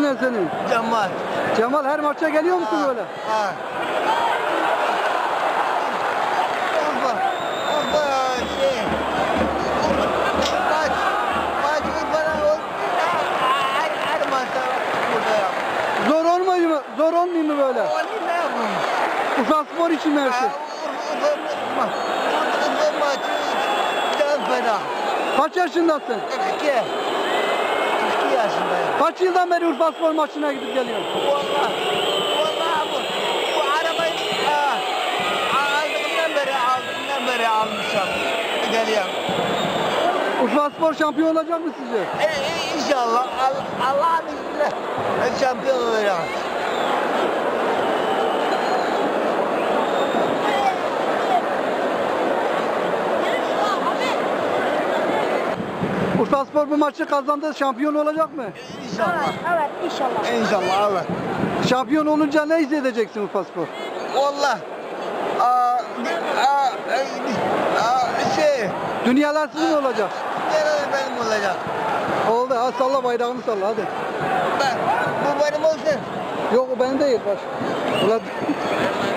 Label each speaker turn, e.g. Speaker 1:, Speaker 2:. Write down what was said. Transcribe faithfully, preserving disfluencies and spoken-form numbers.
Speaker 1: ne senin?
Speaker 2: Cemal.
Speaker 1: Cemal her maça geliyor musun
Speaker 2: Ha,
Speaker 1: böyle?
Speaker 2: Ha. Urfa. Urfa şey. Maç. Maç Urfa'da oldu. Her, her maçta burada yap.
Speaker 1: Zor olmuyor mu? Zor olmuyor mu böyle?
Speaker 2: Onu ne yapayım?
Speaker 1: Urfa Spor için mi her şey?
Speaker 2: Ha, Urfa, Urfa, Urfa, Urfa maçı can fena.
Speaker 1: Kaç yaşındasın?
Speaker 2: kırk iki. kırk iki yaşındayım.
Speaker 1: Kaç yıldan beri Urfa Spor maçına gidip geliyorsun?
Speaker 2: Vallahi, vallahi bu, bu arabayı ha, aldığımdan beri, aldığımdan beri almışım. Geliyorum.
Speaker 1: Urfa Spor şampiyon olacak mı sizce?
Speaker 2: E, e, inşallah Allah, Allah'ın izniyle ben şampiyon olacağım.
Speaker 1: Urfa Spor bu maçı kazandı, şampiyon olacak mı?
Speaker 2: İnşallah.
Speaker 3: Evet, inşallah.
Speaker 2: İnşallah evet.
Speaker 1: Şampiyon olunca ne hissedeceksin Urfa Spor?
Speaker 2: Vallahi. Aa, aa, aa, şey,
Speaker 1: Dünyalar sizin olacak.
Speaker 2: nerede benim olacak?
Speaker 1: Oldu, ha salla bayrağını salla hadi.
Speaker 2: Ben, bu benim olsun.
Speaker 1: Yok o benim değil baş. Ulan